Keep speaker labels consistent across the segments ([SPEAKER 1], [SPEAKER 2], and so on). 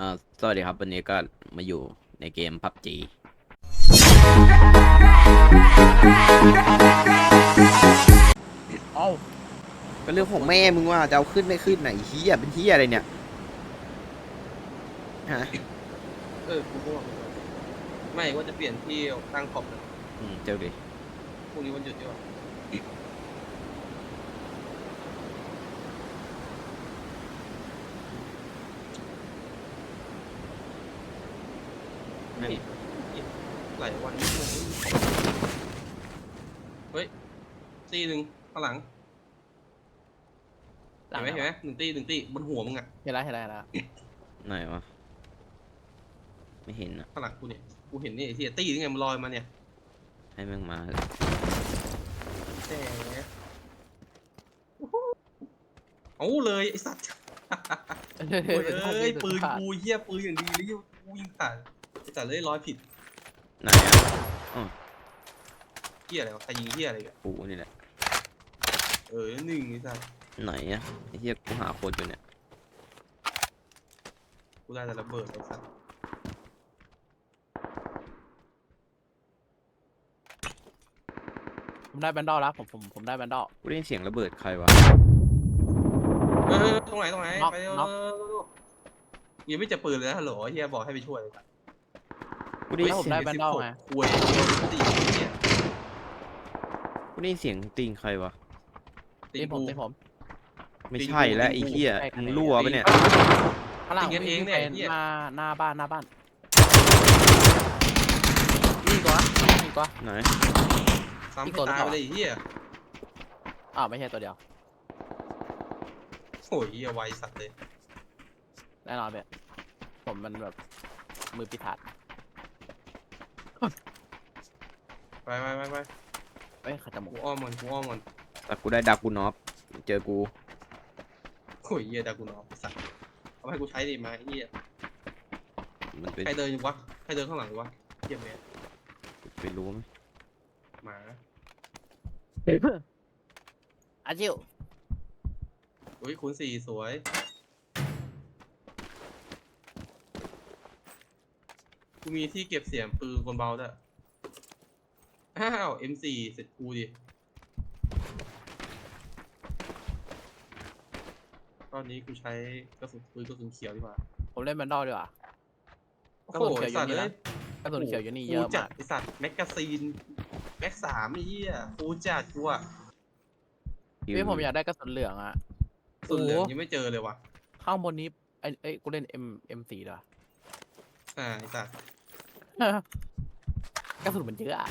[SPEAKER 1] สวัสดีครับวันนี้ก็มาอยู่ในเกม PUBG
[SPEAKER 2] เอ้า
[SPEAKER 1] ก็เรื่องของแม่มึงว่าจะเอาขึ้นไม่ขึ้นไหนเฮียเป็นเฮียอะไรเนี่ยฮะ
[SPEAKER 3] กูก็ว่าไม่ว่าจะเปลี่ยนที่ตั้งขอบเลย
[SPEAKER 1] เจ้าดิ
[SPEAKER 3] พรุ่งนี้วันหยุดดีกว่านี่หลายวันนี้เฮ้ยตีหนึ่งข้างหลังเห็นไหมหนึ่งตีบนหัวมึงอ่ะ
[SPEAKER 2] เห็นแล้ว
[SPEAKER 1] ไหนวะไม่เห็นอ่ะ
[SPEAKER 3] ข้างหลังกูเนี่ยกูเห็นนี่ไอ้ที่ตีนี่ไงมันลอยมาเนี่ย
[SPEAKER 1] ให้แม่งมาเถอะ
[SPEAKER 3] แต่เอาเลยไอ้สัตว์โอ้ยเอ้ยปืนกูเหี้ยปืนอย่างดีเลยกูยิงขาดไอ้สัตว์เลยร้อยผิด
[SPEAKER 1] ไหนอ่ะ
[SPEAKER 3] เหี้ยอะไรวะใครยิงเหี้ยอะไรกัน
[SPEAKER 1] กูนี่แหละ
[SPEAKER 3] หนึ่งไอ้สัตว์
[SPEAKER 1] ไหนอ่ะไอ้เฮียกูหาโคตรอยู่เนี่ย
[SPEAKER 3] กูได้แต่ระเบิดไอ้สัตว์
[SPEAKER 2] ผมได้แบนดอลแล้วผมได้แบนดอล
[SPEAKER 1] กูได้ยินเสียงระเบิดใครวะ
[SPEAKER 3] ตรงไหน
[SPEAKER 2] น็อก
[SPEAKER 3] ไป
[SPEAKER 2] น็อก
[SPEAKER 3] ยังไม่เจะปืนเลยนะฮัลโหลเฮียบอกให้ไปช่วยเลย
[SPEAKER 1] กูได้ยิน
[SPEAKER 2] แล้วผม
[SPEAKER 1] เสียง
[SPEAKER 2] ได้แบนดอลไง
[SPEAKER 3] คุยตีเฮีย
[SPEAKER 1] กูได้ยินเสียงตีนใครวะ
[SPEAKER 3] ตี
[SPEAKER 2] ตีผม
[SPEAKER 3] กู
[SPEAKER 2] ตีผม
[SPEAKER 1] ไม่ใช่แล้วไอ้เฮียมึงรั่วปะเนี่ย
[SPEAKER 2] ข้างหลัง
[SPEAKER 3] ตีกันเองเนี่ย
[SPEAKER 2] วิ่
[SPEAKER 3] เหี้ย
[SPEAKER 2] ไปหน้าบ้านนี่กว่านี่กว่า
[SPEAKER 1] ไหน
[SPEAKER 3] ซ้ำให้ตายไปเลยเฮีย
[SPEAKER 2] อ้าวไม่ใช่ตัวเดียว
[SPEAKER 3] โอ้ยเฮียไวสัตว์เลย
[SPEAKER 2] แน่นอนเว้ยผมมันแบบมือปิดทัด
[SPEAKER 3] ไป
[SPEAKER 2] เอ้ยขัดจมู
[SPEAKER 3] กู
[SPEAKER 2] ก
[SPEAKER 3] อ้อมมัน
[SPEAKER 1] แต่กูได้ดักกูนอฟเจอกู
[SPEAKER 3] โอ้ยเฮียดากูนอสัตว์เอาให้กูใช้ดิมาเฮีย
[SPEAKER 1] มันเป็น
[SPEAKER 3] ใครเดินอยู่วะใครเดินข้างหลังอยู่วะเฮียแม่
[SPEAKER 1] ไปรู้ไหม
[SPEAKER 3] หมา
[SPEAKER 2] อาจิว
[SPEAKER 3] โอ้ยคูณสี่สวยกูมีที่เก็บเสียงปืนกลเบาด้วยอ้าว M4 เสร็จกูดิตอนนี้กูใช้กระสุนปืนกระสุนเขียวดีกว่า
[SPEAKER 2] ผมเล่นแบนดอลดีกว่า
[SPEAKER 3] โอ้
[SPEAKER 2] กระ
[SPEAKER 3] โห
[SPEAKER 2] สุนเขียวอยู่
[SPEAKER 3] สัตว์
[SPEAKER 2] นี่
[SPEAKER 3] เล
[SPEAKER 2] นะ
[SPEAKER 3] ย
[SPEAKER 2] กระสุนเขียวอยู่นี่เย
[SPEAKER 3] กู
[SPEAKER 2] อะ
[SPEAKER 3] จั
[SPEAKER 2] มา
[SPEAKER 3] ด
[SPEAKER 2] ก
[SPEAKER 3] ไอสัตว์แมกกาซีนแม็ก3ไอ้เหี้ยกูจัดกูอะ
[SPEAKER 2] พี่ผมอยากได้กระสุนเหลืองอะ
[SPEAKER 3] สุดเหลืองยังไม่เจอเลยว่ะ
[SPEAKER 2] ข้างบนนี้ไอ้กูเล่น M4 ดีกว่า
[SPEAKER 3] ไอสัตว์
[SPEAKER 2] กระสุนมันเยอะอะ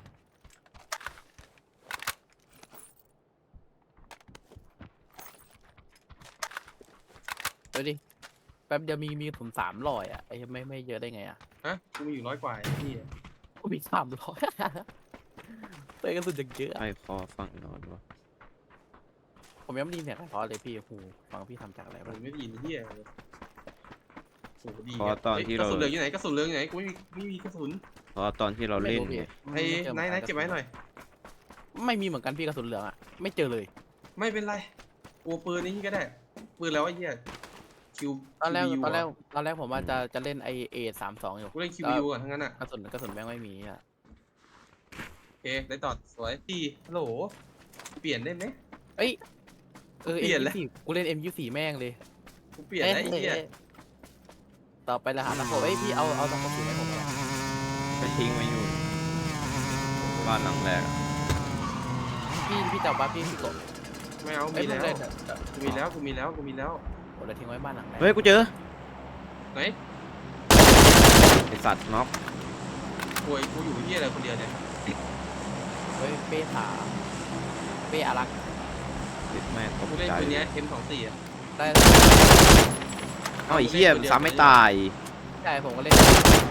[SPEAKER 2] ดูดิแป๊บเดียวมีผม300อ่ะไอ้ไม่เยอะได้ไงอ่ะ
[SPEAKER 3] ฮะกูมีอยู่100 กว่าไอ้เหี้ย
[SPEAKER 2] กูมี300ตัวกระสุนจะเยอะอะ
[SPEAKER 1] ไอ้คอฟังนอนวะ
[SPEAKER 2] ผมยังไม่ได้ยินเสียงเพราะเลยพี่หูฟังพี่ทำจากอะไร
[SPEAKER 3] มั
[SPEAKER 2] บ้าง
[SPEAKER 3] นไม่ไดยินไอ้เหี้ยเลยโอ้โหดี
[SPEAKER 1] เพราะตอนที่
[SPEAKER 3] ก
[SPEAKER 1] เรา
[SPEAKER 3] ระสุนเหลืองอยู่ไหนกระสุนเหลืองอยู่ไหนกูไม่มีกระสุน
[SPEAKER 1] เพราะตอนที่เราเล่นไง
[SPEAKER 3] ไอ้นายเก็บไว้หน่อย
[SPEAKER 2] ไม่มีเหมือนกันพี่กระสุนเหลืองอ่ะไม่เจอเลย
[SPEAKER 3] ไม่เป็นไรกูปืนนี้ก็ได้ปืนแล้วไอ้เหี้ยคิว
[SPEAKER 2] ตอนแรก
[SPEAKER 3] QBU
[SPEAKER 2] ตอนแรกผมว่าจะเล่นไอA32อยู่
[SPEAKER 3] กูเล่น QBU ก่อนทั้งนั้นอ่ะ
[SPEAKER 2] กระสุนแม่งไม่มีอ่ะ
[SPEAKER 3] โอเคได้ต่อสวยพี่ฮัลโหลเปลี่ยนได้ไหม
[SPEAKER 2] เอ้ย
[SPEAKER 3] เปลี่ยนแล้ว
[SPEAKER 2] M24กูเล่น M24แม่งเลย
[SPEAKER 3] กูเปลี่ยนแล้วไอ้เหี้ย
[SPEAKER 2] ต่อไปละหาตะโขบเอ้ยพี่เอาตะโขบสีให้ผมเลย
[SPEAKER 1] ก็ทิ้งไว้อยู่บ้านหลังแรกอะ
[SPEAKER 2] พี่จับบ้าพี่กบ
[SPEAKER 3] ไม่เอา
[SPEAKER 2] เอ้ย
[SPEAKER 3] มี
[SPEAKER 2] ผม
[SPEAKER 3] แล้ว
[SPEAKER 2] เล่น
[SPEAKER 3] กูมีแล้วกูมีแล้ว
[SPEAKER 2] ผมเลยทิ้งไว้บ้านหลังแรก
[SPEAKER 1] เฮ้ยกูเจอ
[SPEAKER 3] ไหน
[SPEAKER 1] ไอสัตว์น็อก
[SPEAKER 3] ป่วยกูอยู่ที่อะไรคนเดียวเนี่ย
[SPEAKER 2] เฮ้ยเป้ถาเป้อารักษ์
[SPEAKER 1] ติดแม่ตก
[SPEAKER 3] กูเล่น
[SPEAKER 1] ใจ
[SPEAKER 3] ตัวเนี้ย M24 อ่ะ
[SPEAKER 2] ได้
[SPEAKER 1] เอ้าไอ้เหี้ยมันซ้ำไม่ตาย
[SPEAKER 2] ใช่ผมก็เล่น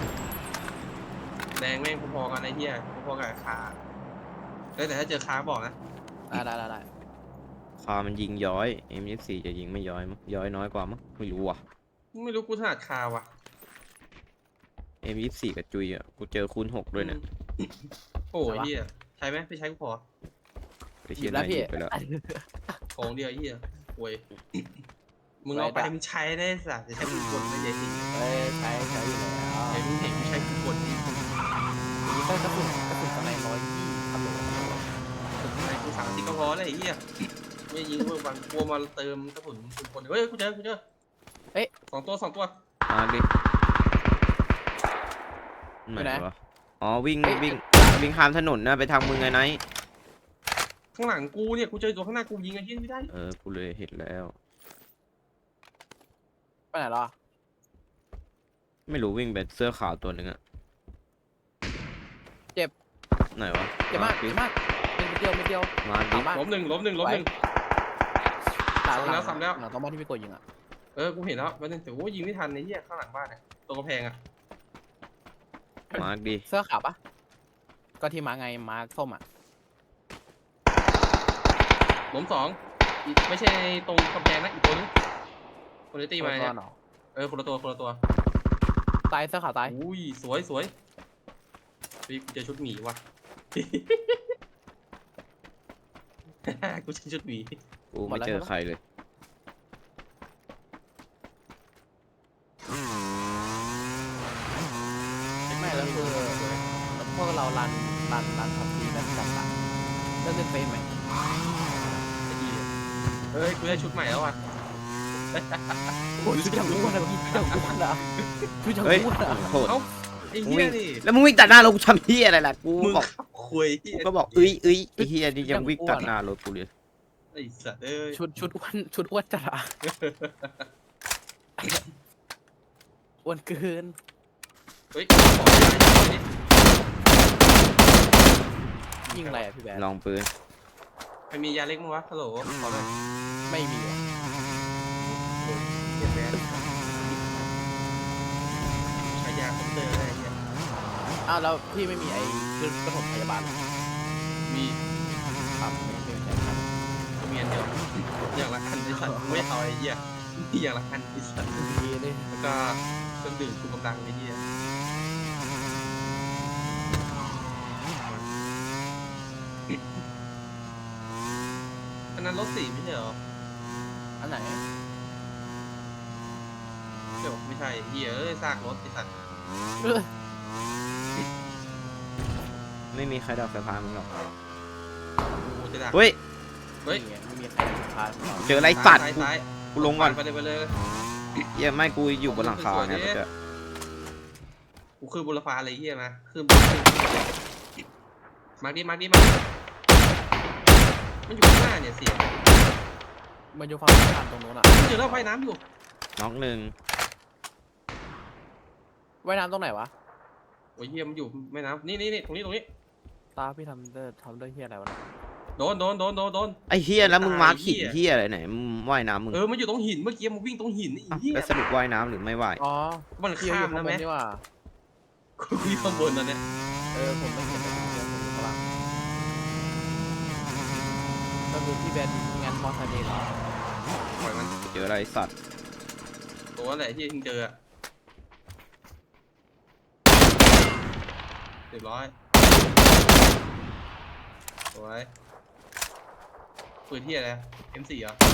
[SPEAKER 3] แรงแม่งพอๆกันไอ้เหี้ยพอๆกับคาแต่ถ้าเจอคาบอกนะ
[SPEAKER 2] ได้
[SPEAKER 1] คามันยิงย้อย M24 จะยิงไม่ย้อยมั้งย้อยน้อยกว่ามั้งไม่รู้ว่ะ
[SPEAKER 3] ไม่รู้กูถนัดคาว่ะ
[SPEAKER 1] M24 กับจุยอ่ะกูเจอคูณ6ด้วยเนี่ย
[SPEAKER 3] โอ้ยเหี้ยใช้ไหมไปใช้กูพอ
[SPEAKER 1] ไปเชียร์นายหยิบไปแล้ว
[SPEAKER 3] ของเดียวไอ้เหี้ยป่วยมึงเอาไปมึงใช้ได้สัตว์จะใช้ปืนกลไม่ใช่สิ
[SPEAKER 2] เฮ้ยใช้อยู่แล้ว
[SPEAKER 3] ไอ้มึงเห็นกูใช้กูกดที่
[SPEAKER 2] นี่ก็กระสุนสไน120ฮัลโหล
[SPEAKER 3] ไอ้กู30ก็พอแล้วไอ้เหี้ยไม่ยิงเมื่อวันกลัวมาเติมกระสุนปืนกลเฮ้ยกูเจอสองตัว
[SPEAKER 1] มาดิไหนวะอ๋อวิ่งข้ามถนนนะไปทางมึงไงไนท์
[SPEAKER 3] ข้างหลังกูเนี่ยกูเจอตัวข้างหน้ากูยิงไอ้เหี้ยไม่ได้
[SPEAKER 1] กูเลยเห็นแล้ว
[SPEAKER 2] ไปไหนล่ะ
[SPEAKER 1] ไม่รู้วิ่งไปเสื้อขาวตัวหนึ่งอะ
[SPEAKER 2] เจ็บ
[SPEAKER 1] ไหนวะ
[SPEAKER 2] เจ็บมากเป็นเดียว
[SPEAKER 1] มาดิ
[SPEAKER 3] ล้มหนึ่ง
[SPEAKER 2] ตาย
[SPEAKER 3] ซ้ำแล้ว
[SPEAKER 2] หลังต้องบ้านที่พี่โกยิงอ่ะ
[SPEAKER 3] กูเห็นแล้ววันนึงแต่กูยิงไม่ทันไอ้เหี้ยข้างหลังบ้านเนี่ยตัวกระแพงอ่ะ
[SPEAKER 1] มาดิ
[SPEAKER 2] เสื้อขาวปะก็ที่มาไงมาส้มอ่ะ
[SPEAKER 3] ล้ม2อีกไม่ใช่ตรงกำแพงนะอีกตัวนึงคนที่ตีมาเนี่ย คนละตัว
[SPEAKER 2] ตายเสื้อขาวตาย
[SPEAKER 3] อุ้ยสวยพี่กูเจอชุดหมีว่ะ กูเจอชุดหมี
[SPEAKER 1] กูไม่เจอใครเลย
[SPEAKER 2] ไม่แล้วคือพวกเรารันทับทีแล้วจัดตัดเล่นเฟรมไหม
[SPEAKER 3] ไอ้เหี้ยเฮ้ยกูได้ชุดใหม่แล้วว่ะ
[SPEAKER 2] โอ้ยชุดอย่างอ้วนอะพี่ชุดอย่างอ้วนอะชุดอย่าง
[SPEAKER 1] เฮ้ย
[SPEAKER 2] อ้วนอะ
[SPEAKER 1] โทษ
[SPEAKER 3] เอ้าไอ้
[SPEAKER 1] มึง
[SPEAKER 3] เหี้
[SPEAKER 1] วิ่
[SPEAKER 3] ย
[SPEAKER 1] ง
[SPEAKER 3] นี่
[SPEAKER 1] แล้วมึงวิ่งตัดหน้ารถกูทำเฮียอะไรล่ะกู
[SPEAKER 3] มึง
[SPEAKER 1] บอก
[SPEAKER 3] ขับคุย
[SPEAKER 1] กูก็บอกเอ้ยไอ้เฮียนี่ยังวิ่งตัดหน้ารถกูเลย
[SPEAKER 3] ไอ้สัตว์เอ้ย
[SPEAKER 2] ชุดอ้วนจัดอะอ้วนเกิน
[SPEAKER 3] เฮ้ยขอย้ายดิ
[SPEAKER 2] ยิงอะไรอะพี่แบน
[SPEAKER 1] ลองปืน
[SPEAKER 3] ใครมียาเล็กมั้งวะฮัลโหลขอหน่อย
[SPEAKER 2] ไม่มีอะ
[SPEAKER 3] เก็บแบนใช้ยาคอมเตอร์อะไรเงี้ย
[SPEAKER 2] อ้าวแล้วพี่ไม่มีไอ้เครื่องปฐมพยาบาลเหรอ
[SPEAKER 3] มี
[SPEAKER 2] ครับไม่ใช่ครับ
[SPEAKER 3] มีอันเดียวอย่างละอันไอ้สัตว์ไม่เอาไอ้เหี้ยมีอย่างละอันไอ้สัตว์
[SPEAKER 2] ดีเลย
[SPEAKER 3] แล้วก็เครื่องดื่มชูกำลังไอ้เหี้ยอันนั้นรถสีไม่ใช่เหรอ
[SPEAKER 2] อันไหน
[SPEAKER 3] เดี๋ยวไม่ใช่เหี้ยซากรถไอ้สัตว์
[SPEAKER 1] ไม่มีใครดับไฟฟ้ามึงหรอก
[SPEAKER 3] กูจะดัก
[SPEAKER 1] เฮ้ย
[SPEAKER 3] เฮ้ย
[SPEAKER 2] นี่ไงไม่มีใครพาเรา
[SPEAKER 1] เจออะไรสัตว์
[SPEAKER 3] ซ้าย
[SPEAKER 1] กูลงก่อน
[SPEAKER 3] ไปเลย
[SPEAKER 1] เฮียไม่กูอยู่บนหลังคาไงเมื่อกี้
[SPEAKER 3] กูขึ้นบนรถไฟอะไรเหี้ยมาขึ้นมาดิมันอยู่ข้างหน้าเนี่ยเสียง
[SPEAKER 2] มันอยู่ฝั่งผ่านตรงนู้นอะ
[SPEAKER 3] เจอแล้วว่ายน้ำอยู่
[SPEAKER 1] น้องหนึ่ง
[SPEAKER 2] ว่ายน้ำตรงไหนวะ
[SPEAKER 3] โอ้ยเหี้ยมันอยู่แม่น้ำนี่ตรงนี้
[SPEAKER 2] ตาพี่ทำด้วยเฮียอะไรวะเนี่ย
[SPEAKER 3] โดน
[SPEAKER 1] ไอ้เฮียแล้วมึงมาร์คหิน
[SPEAKER 3] ไอ้เหี้ย
[SPEAKER 1] เฮียอะไรไหนมึงว่ายน้ำมึง
[SPEAKER 3] มันอยู่ตรงหินเมื่อกี้มันวิ่งตรงหินไอ้
[SPEAKER 1] อ้าว
[SPEAKER 3] เหี้ย
[SPEAKER 1] แล้วสรุปว่ายน้ำหรือไม่ว่าย
[SPEAKER 2] อ๋อ
[SPEAKER 3] มัน
[SPEAKER 2] พี่อ
[SPEAKER 3] ข้า
[SPEAKER 2] ยู่
[SPEAKER 3] ม
[SPEAKER 2] ข้าง
[SPEAKER 3] นะ
[SPEAKER 2] บ
[SPEAKER 3] แม่
[SPEAKER 2] นนี่ว่า
[SPEAKER 3] กูอยู่ข้างบนตอนเนี้ย
[SPEAKER 2] ผมไม่เห็นเลยผมอยู่ข้างล่างก็คือพี่แบนงานมอไซค์เดย์เหรอ
[SPEAKER 3] ปล่อยมัน
[SPEAKER 1] เจออะไรสัตว์
[SPEAKER 3] ตัวอะไรที่มึงเจออะเรียบร้อยสวยปืนที่อะไร M4 เหรอ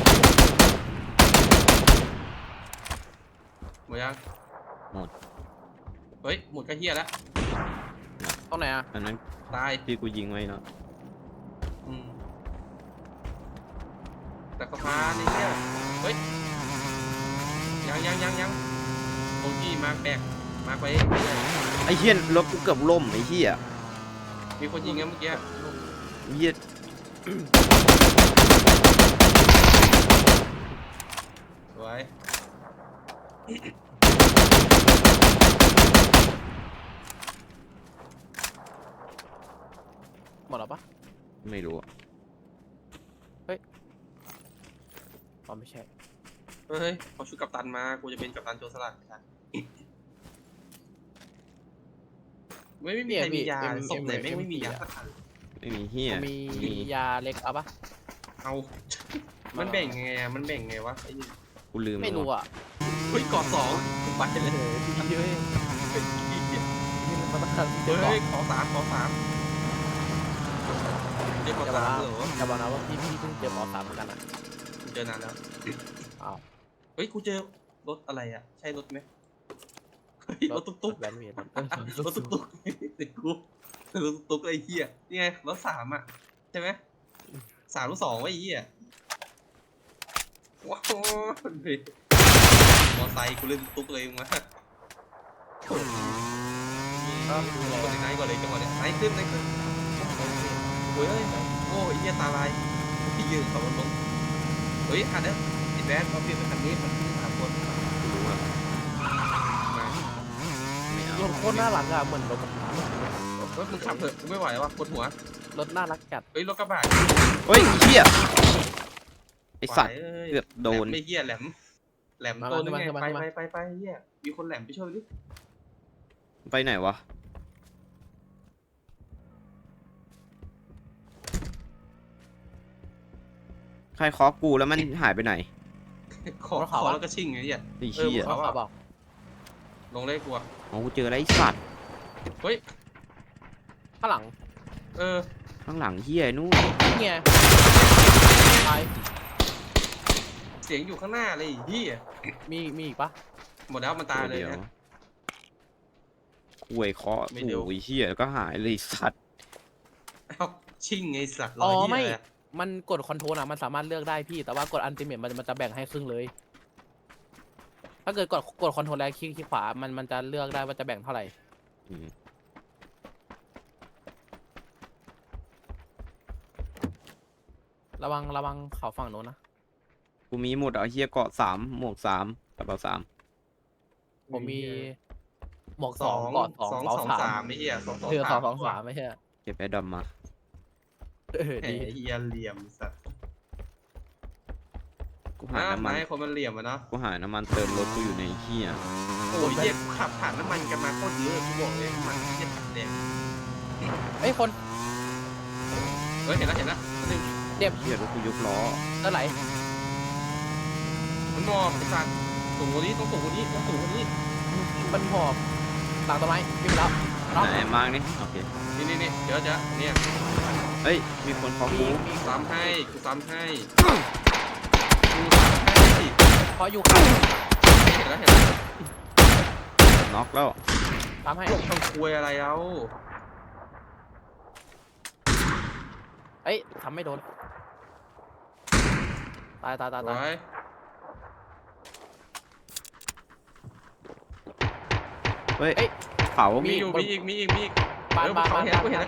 [SPEAKER 3] หมดยัง
[SPEAKER 1] หมด
[SPEAKER 3] เฮ้ยหมดก็เฮียแล้ว
[SPEAKER 2] ตรงไหนอะ
[SPEAKER 1] อันนั้น
[SPEAKER 3] ตาย
[SPEAKER 1] ที่กูยิงไว้เนาะ
[SPEAKER 3] แต่สะพานนี่เนี่ยเฮ้ยยังโอกี้มาแบกมาไป
[SPEAKER 1] ไอ้เฮียรถกูเกือบล่มไอ้เฮีย
[SPEAKER 3] มีคนยิงกันเมื่อกี้
[SPEAKER 1] เฮีย
[SPEAKER 3] สวย
[SPEAKER 2] หมดแล้วปะ
[SPEAKER 1] ไม่รู้อะ
[SPEAKER 2] อ๋อไม่ใช่
[SPEAKER 3] เฮ้ยเขาชุดกัปตันมากูจะเป็นกัปตันโจรสลัดครับไม่มีใครมียาศพไหนไม่มียาสักอัน
[SPEAKER 1] ไม่มีเฮีย
[SPEAKER 2] มียาเล็กเอาปะ
[SPEAKER 3] เอามันแบ่งไงอะมันแบ่งไงวะไอ้นี่
[SPEAKER 1] กูลืม
[SPEAKER 2] ไม่รู้
[SPEAKER 1] แล้ว
[SPEAKER 2] อ่ะ
[SPEAKER 3] เฮ้ยกอด2ไปเลย
[SPEAKER 2] พี่เฮ้ยนี่มันต้องการเจอ
[SPEAKER 3] เฮ้
[SPEAKER 2] ก่อน
[SPEAKER 3] ยขอ3เจอขอ3เหรอ
[SPEAKER 2] อย่าบอกนะว่าพี่เพิ่งเจอหมอสามเหมือนกันอ่ะ
[SPEAKER 3] กูเจอนานแล้ว
[SPEAKER 2] อ้าว
[SPEAKER 3] เฮ้ยกูเจอรถอะไรอ่ะใช่รถไหมรถตุ๊ก
[SPEAKER 2] แบนเวียน
[SPEAKER 3] ๆรถตุ๊กๆติดกูรถตุ๊กไอ้เหี้ยนี่ไงรถ3อ่ะใช่ไหม3 รถ 2ไว้ไอ้เหี้ยว้าวมอไซค์กูเล่นตุ๊กเลยมึงวะกดไหนก่อนเลยจังหวะเนี้ยไหนขึ้นโอ้ยโอ้ยเหี้ยตาลายพี่ยืนขับรถลงเฮ้ยคันนี้ไอ้แบนเขาเปลี่ยนเป็นคันนี้มันขึ้น3 คน
[SPEAKER 1] รู้อะไม่เอา
[SPEAKER 2] รถโคตรน่ารักอะเหมือนรถ
[SPEAKER 3] รถมึงขับเถอะกูไม่ไหวว่ะปวดหัว
[SPEAKER 2] รถน่ารักจัด
[SPEAKER 3] เฮ้ยรถกระบะ
[SPEAKER 1] เฮ้ยไอ้เหี้ยไอสัตว์เกือบโดน
[SPEAKER 3] ไม่เหี้ยแหลมตัวนึงไงไปเหี้ยมีคนแหลมไปช่วยดิ
[SPEAKER 1] ไปไหนวะใครเคาะกูแล้วมันหายไปไหน
[SPEAKER 3] ขอแล้วก็ชิ่งไงเหี้ย
[SPEAKER 1] ไอ้เหี้ย
[SPEAKER 2] เขาบอก
[SPEAKER 3] ลงเลยกลัว
[SPEAKER 1] อ๋อกูเจออะไรไอ้สัตว์
[SPEAKER 3] เฮ้ย
[SPEAKER 2] ข้างหลัง
[SPEAKER 1] ข้างหลังเหี้ยนู่น
[SPEAKER 2] นี่ไงไป
[SPEAKER 3] เสียงอยู่ข้างหน้าเลยเหี้ย
[SPEAKER 2] มีอีกปะ
[SPEAKER 3] หมดแล้วมันตายเลย
[SPEAKER 1] ดี๋ว
[SPEAKER 3] นะ
[SPEAKER 1] คุยเคาะ
[SPEAKER 3] ไม่เดี๋ยว
[SPEAKER 1] โอ้ยเหี้ยก็หายเลยไอ้สัตว์
[SPEAKER 3] เอ้าชิ่งไงสัตว์ร
[SPEAKER 2] อ๋
[SPEAKER 3] อ
[SPEAKER 2] อ
[SPEAKER 3] เหี้
[SPEAKER 2] ไม่
[SPEAKER 3] ยอะไร
[SPEAKER 2] มันกดคอนโทรลอะมันสามารถเลือกได้พี่แต่ว่ากดอันติเมทมันจะแบ่งให้ครึ่งเลย ถ้าเกิดกดคอนโทรลแล้วคลิกขวามันจะเลือกได้ว่าจะแบ่งเท่าไหร่
[SPEAKER 1] อืม
[SPEAKER 2] ระวังเขาฝั่งโน้นนะ
[SPEAKER 1] กูมีหมดเอาเหี้ยเกาะ3 หมวก3กระเป๋า3
[SPEAKER 2] ผมมีหมวก
[SPEAKER 3] ส
[SPEAKER 2] ส
[SPEAKER 3] อ
[SPEAKER 2] อง
[SPEAKER 3] ง
[SPEAKER 2] กอด
[SPEAKER 3] สอง
[SPEAKER 2] เป๋า
[SPEAKER 3] สอง
[SPEAKER 2] สา
[SPEAKER 3] สาม มไม่เหี้ย2 2
[SPEAKER 2] เรือ
[SPEAKER 3] 3
[SPEAKER 2] 2 2 3ไม่ใช่เหรอ
[SPEAKER 1] เก็บไอ้ดำมา
[SPEAKER 3] แหม
[SPEAKER 2] ดี
[SPEAKER 3] เหี้ยเหลี่ยมสัตว์
[SPEAKER 1] กูหาน้ำมัน
[SPEAKER 3] ไม้คนมันเหลี่ยมอะเนาะ
[SPEAKER 1] กูหาน้ำมันเติมรถกูอยู่ในเหี้ย
[SPEAKER 3] โอ้ยเหี้ยกูขับผ่านน้ำมันกันมาโคตรเยอะกูบอกเลยน้ำมันเหี้ยถังแดง
[SPEAKER 2] เอ้ยคน
[SPEAKER 3] เฮ้ยเห็นแล้วนึง
[SPEAKER 2] เจ็บ
[SPEAKER 1] เหี้ยรถกูยกล้อ
[SPEAKER 2] เท่าไหร่
[SPEAKER 3] มันมองไอ้สัตว์สูงกว่านี้ต้องสูงกว่านี้ต้องสูงกว่านี้
[SPEAKER 2] มันหอบหลังต้นไม้วิ่งไปแล้วน็อก
[SPEAKER 1] ไหนมากนี่โอเค
[SPEAKER 3] นี่เดี๋ยวจะเนี่ย
[SPEAKER 1] เฮ้ยมีคนเคาะ
[SPEAKER 2] มี
[SPEAKER 1] กู
[SPEAKER 2] มี
[SPEAKER 3] ซ้ำให้กูซ้ำให้สิ
[SPEAKER 2] พออยู่ข้าง
[SPEAKER 3] เห็นแล้ว
[SPEAKER 1] น็อกแล้ว
[SPEAKER 2] ทำให้
[SPEAKER 3] ทำคุยอะไรเอา
[SPEAKER 2] เอ้ยทำไม่โดนตาย
[SPEAKER 3] ไว้
[SPEAKER 1] เฮ้ยเขา
[SPEAKER 3] มีอยู่มีอีก
[SPEAKER 2] บ้าน
[SPEAKER 3] กูเห็นแล้ว
[SPEAKER 1] กู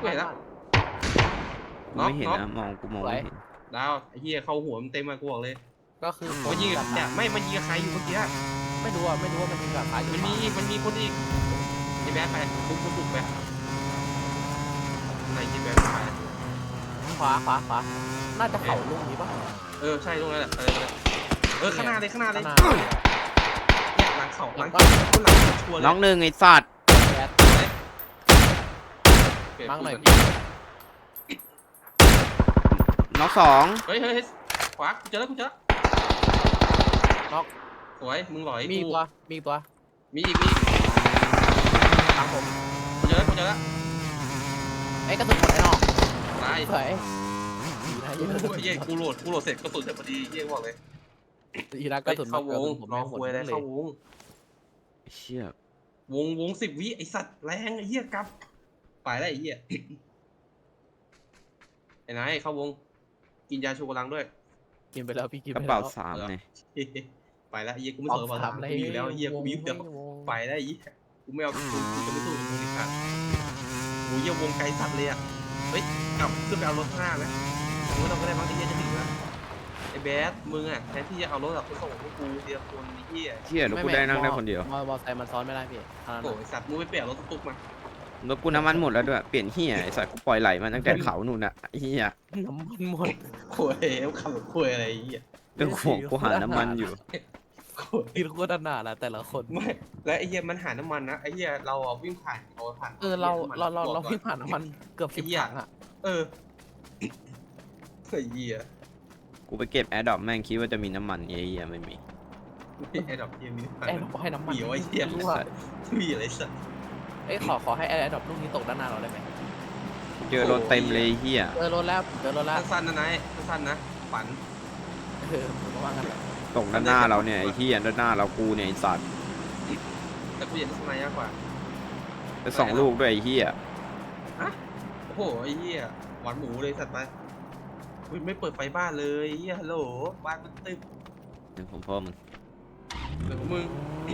[SPEAKER 1] ไม่เห็นนะมองกูมองไม่เห็น
[SPEAKER 3] ดาวไอ้เหี้ยเข้าหัวมันเต็มมากูบอกเลย
[SPEAKER 2] ก็คือ
[SPEAKER 3] มันยิงเนี่ยไม่มันยิงกับใครอยู่เมื่อกี้
[SPEAKER 2] ไม่รู้ว่ามันยิงกับใคร
[SPEAKER 3] มันมีคนอีกไอ้แบ๊ไปบุกไปไหนไอ้แบ๊ไป
[SPEAKER 2] ขวาน่าจะเข่าลูกนี้ปะ
[SPEAKER 3] ใช่ตรงนั้นแหละข้างหน้าเลย
[SPEAKER 2] ข้างหน้า
[SPEAKER 3] เนี่ยหลังเขาหลังชัวร์เลย
[SPEAKER 1] น้องหนึ่งไอ้สัตว์
[SPEAKER 2] แบดมั้งหน่อย
[SPEAKER 1] น้อง2
[SPEAKER 3] เฮ้ยขวากูเจอแล้ว
[SPEAKER 2] น็อก
[SPEAKER 3] สวยมึงหลอย
[SPEAKER 2] มี
[SPEAKER 3] กู
[SPEAKER 2] ตัว
[SPEAKER 3] มีอีก
[SPEAKER 2] ทางผม
[SPEAKER 3] กูเจอแล้ว
[SPEAKER 2] ไอ้กระสุนหมดไอ้นอก
[SPEAKER 3] ตาย
[SPEAKER 2] สวยดีนะ
[SPEAKER 3] เย้กูโหลดเสร็จกระสุนเสร็จพอดีเย้บอกเลย
[SPEAKER 2] ดีนะกระสุน
[SPEAKER 3] เข้าวง
[SPEAKER 2] ผม
[SPEAKER 3] รอคุยอะไรเข้าวง
[SPEAKER 1] เชี่ยว
[SPEAKER 3] ง10 วิไอสัตว์แรงไอ้เหี้ยกลับไปแล้วไอ้เหี้ยไอ้นายเข้าวงกินยาชูกำลังด้วย
[SPEAKER 2] กินไปแล้วพี่กิน
[SPEAKER 1] กระ
[SPEAKER 2] ไป
[SPEAKER 1] เป๋า
[SPEAKER 2] แล้ว
[SPEAKER 1] 3เนี่ย
[SPEAKER 3] ไปแล้วไอ้เหี้ยกูไม่สนกระเป๋าตังค์กูมีอยู่แล้วไอ้เหี้ยกูมีอยู่แล้วไปแล้วไอ้เหี้ยกูไม่เอากูจะไม่สู้กับมึงอีกครับกูเหี้ยวงไกลสัตว์เลยอ่ะเฮ้ยกลับขึ้นไปเอารถข้างหน้าไหมมึงไม่ต้องก็ได้บ้างไอ้เหี้ยจะถึงแล้วไอ้แบดมึงอ่ะแทนที่จะเอารถแบบไปส่งพวกกูเดียวคนไอ้เหี้ย
[SPEAKER 1] เชี่ยรถกูได้นั่งได้คนเดียว
[SPEAKER 2] มอไซค์มันซ้อนไม่ได้พี่ทางนั้น
[SPEAKER 3] โอ้ยสัตว์มึงไปเปลี่ยนรถตุ๊กๆมาร
[SPEAKER 1] ถกูน้ำมันหมดแล้วด้วยเปลี่ยนเหี้ยไอ้สัตว์กูปล่อยไหลมาตั้งแต่เขานู่นน่ะไอ้เหี้ย
[SPEAKER 2] น้ำมันหมด
[SPEAKER 3] คุยขับคุยอะไรไอ้เหี้ย
[SPEAKER 1] เรื่องของกูหาน้ำมันอยู่
[SPEAKER 3] คุย
[SPEAKER 2] กินโคตรหนาละแต่ละคน
[SPEAKER 3] ไม่แล้วไอ้เหี้ยมันหาน้ำมันนะไอ้เหี้ยเราอ่ะวิ่งผ่าน
[SPEAKER 2] เราวิ่งผ่านน้ำมันเกือบ10 ถังอ่ะ
[SPEAKER 3] เออไอ้เหี้ย
[SPEAKER 1] กูไปเก็บแอร์ดรอปแม่งคิดว่าจะมีน้ำมันไอ้เหี้ยไม่มี
[SPEAKER 3] ไอ้ดอกเหี้ยมี
[SPEAKER 2] ไอ้เราให้น้ำมัน
[SPEAKER 3] เหี้ยไอ้เหี้ย
[SPEAKER 2] รู้ว่า
[SPEAKER 3] มีอะไรสัตว์
[SPEAKER 2] เอ้ยขอให้ไอ้ดอกลูกนี้ตกด้านหน้าเราได้ไหม
[SPEAKER 1] เจอรถเต็มเลยไอ้เหี้ย
[SPEAKER 2] เจอรถแล้ว
[SPEAKER 3] สั้นๆนะนายสั้นๆนะฝัน
[SPEAKER 2] ผมก็ว่างั้นแหละ
[SPEAKER 1] ตกด้านหน้าเราเนี่ยไอ้เหี้ยด้านหน้าเรากูเนี่ยไอ้สัตว์
[SPEAKER 3] แต่กูอยากได้สไนด์มากกว่า
[SPEAKER 1] ไป2 ลูกด้วยไอ้เหี้ย
[SPEAKER 3] โอ้โหไอ้เหี้ยหวานหมูเลยสัตว์ไปอุ๊ยไม่เปิดไฟบ้านเลยเหี้ยฮัลโหลบ้านมันตึ๊บ
[SPEAKER 1] เดี๋ยวผมพ่อมึง
[SPEAKER 3] เดี๋ยวมึงปิด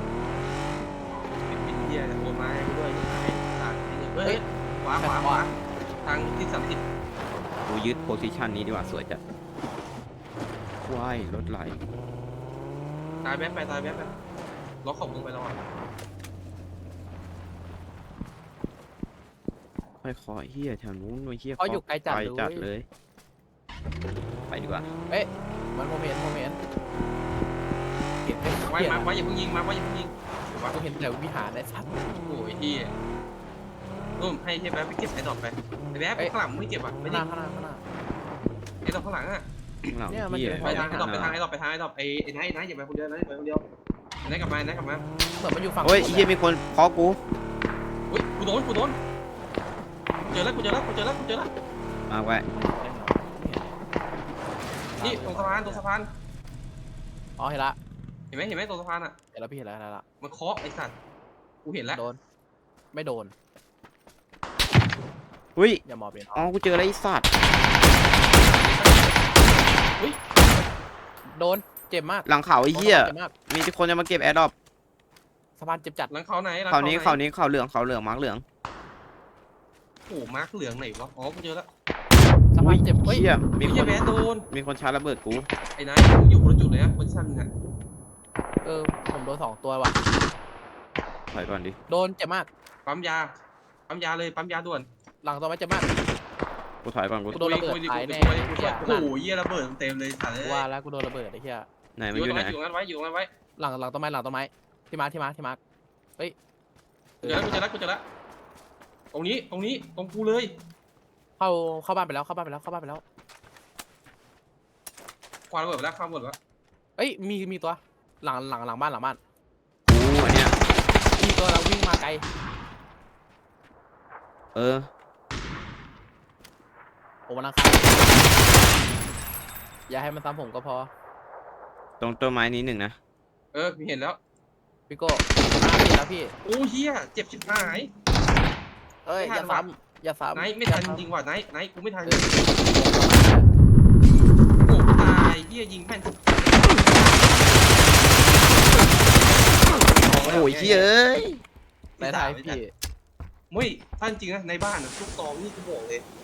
[SPEAKER 3] เหี้ยโอนมาให้กูด้วยไอ้สัตว์เฮ้ยขวาทางที่30
[SPEAKER 1] กูยึดโพซิชันนี้ดีกว่าสวยจัดว้ายรถไหล
[SPEAKER 3] ตายแบ๊บไปล็อกของมึงไปแล้วอ่ะ
[SPEAKER 1] ค่อยคอเหี้ยแถวนู้นไอ้เหี้ย
[SPEAKER 2] เขาอยู่ไกลจัด
[SPEAKER 1] จัด
[SPEAKER 2] เล
[SPEAKER 1] เลย ยไปดีกว่า
[SPEAKER 2] มันผมเห็นเห็นไม่
[SPEAKER 3] ไว้
[SPEAKER 2] เห็น
[SPEAKER 3] มาอย่าเพิ่งยิงถือว่า
[SPEAKER 2] ผมเห็นแต่วิหารไอ้สัตว์
[SPEAKER 3] โอ้ยที่ให้ใช่ไหมไปเก็บไอ้ดอกไปไอ้แบ๊บข้างหลังไม่เก็บอ่ะไม่
[SPEAKER 2] ข้างห
[SPEAKER 3] ได้
[SPEAKER 2] น้า
[SPEAKER 3] ไอ้ดอกข้างหลังอ่ะ
[SPEAKER 1] ข้างหลัง
[SPEAKER 2] เนี่ยมัน
[SPEAKER 1] เหี้ย
[SPEAKER 2] อยู่
[SPEAKER 3] ไปทางไอ้ดอกไอ้ดอกไอ้ไนท์อย่าไปคนเดียวไอ้นท์กลับมา
[SPEAKER 2] เหมือนมันอยู่ฝั่ง
[SPEAKER 1] เฮ้ยไอ้เหี้ยมีคนเคาะกู
[SPEAKER 3] อุ้ยกูโดนเจอแล้ว
[SPEAKER 1] มาไว้
[SPEAKER 3] นี่ตรงสะพาน
[SPEAKER 2] อ๋อเห็นละ
[SPEAKER 3] เห็นไหมตรงสะพานอ่ะ
[SPEAKER 2] เห็นแล้วพี่เห็นแล้วละ
[SPEAKER 3] มันเคาะไอ้สัตว์กูเห็นแล้ว
[SPEAKER 2] โดนไม่โดน
[SPEAKER 1] อุ้ย
[SPEAKER 2] อย่ามอบเลย
[SPEAKER 1] อ๋อกูเจออะไรไอ้สัตว์
[SPEAKER 2] โดนเจ็บมาก
[SPEAKER 1] หลังเขาไอ้เหี้ย
[SPEAKER 2] เจ็บมาก
[SPEAKER 1] มีคนจะมาเก็บแอร์ดรอป
[SPEAKER 2] สะพานเจ็บจัด
[SPEAKER 3] หลังเขาไหน
[SPEAKER 1] เขานี้เขาเหลืองมาร์กเหลือง
[SPEAKER 3] โอ้มาร์คเหลืองไหนวะอ๋อกูเจอแล้ว
[SPEAKER 2] สะพานเจ็บเฮ้ย
[SPEAKER 1] เหี้ยมี
[SPEAKER 3] มี
[SPEAKER 1] ค
[SPEAKER 3] แค่
[SPEAKER 1] น
[SPEAKER 3] แบ๊โดน
[SPEAKER 1] มีคนชาร์จระเบิดกู
[SPEAKER 3] ไอ้นายมึงอยู่คนละจุดเลยนะโพซิชั่นนึงอ่ะ
[SPEAKER 2] ผมโดน2 ตัวว่ะ
[SPEAKER 1] ถอยก่อนดิ
[SPEAKER 2] โดนเจ็บมาก
[SPEAKER 3] ปั๊มยาเลยปั๊มยาด่วน
[SPEAKER 2] หลังตัวไม่เจ็บมาก
[SPEAKER 1] กูถอยก่อนกู
[SPEAKER 2] กูโดนระเบิดตายแน่
[SPEAKER 3] โอ้โหเยี่ยระเบิดเต็มเลยสัตว์เลย
[SPEAKER 2] ว่าแล้วกูโดนระเบิดไอ้เหี้ย
[SPEAKER 1] ไหนมันอยู่ไหน
[SPEAKER 3] อยู่งั้นไว้
[SPEAKER 2] หลังต้นไม้ที่มาร์คเฮ้ย
[SPEAKER 3] กูเจอแล้วตรงนี้ตรงกูเลย
[SPEAKER 2] เข้าบ้านไปแล้ว
[SPEAKER 3] ควานระเบิดแล้วข้ามหมดแล้ว
[SPEAKER 2] เอ้ยมีตัวหลังบ้าน
[SPEAKER 1] กูอันเนี้ย
[SPEAKER 2] มีตัวเราวิ่งมาไกล
[SPEAKER 1] เออ
[SPEAKER 2] ผมวันอังคารอย่าให้มันซ้ำผมก็พอ
[SPEAKER 1] ตรงต้นไม้นี้1นะ
[SPEAKER 3] พี่เห็นแล้ว
[SPEAKER 2] พี่โก้ผิดแล้วพี่
[SPEAKER 3] โอ้เฮียเจ็บชิบหาย
[SPEAKER 2] เอ้ยอย่าซ้ำ
[SPEAKER 3] ไนท์ไม่ทันจริงว่ะไนท์กูไม่ทันโอ้ตายเฮียยิงแม่น
[SPEAKER 1] โอ้ยเหี้ยเอ้ย
[SPEAKER 2] ในไทยพี่
[SPEAKER 3] มุ้ยท่านจริงนะในบ้านนะทุกตองนี่กูบอกเลย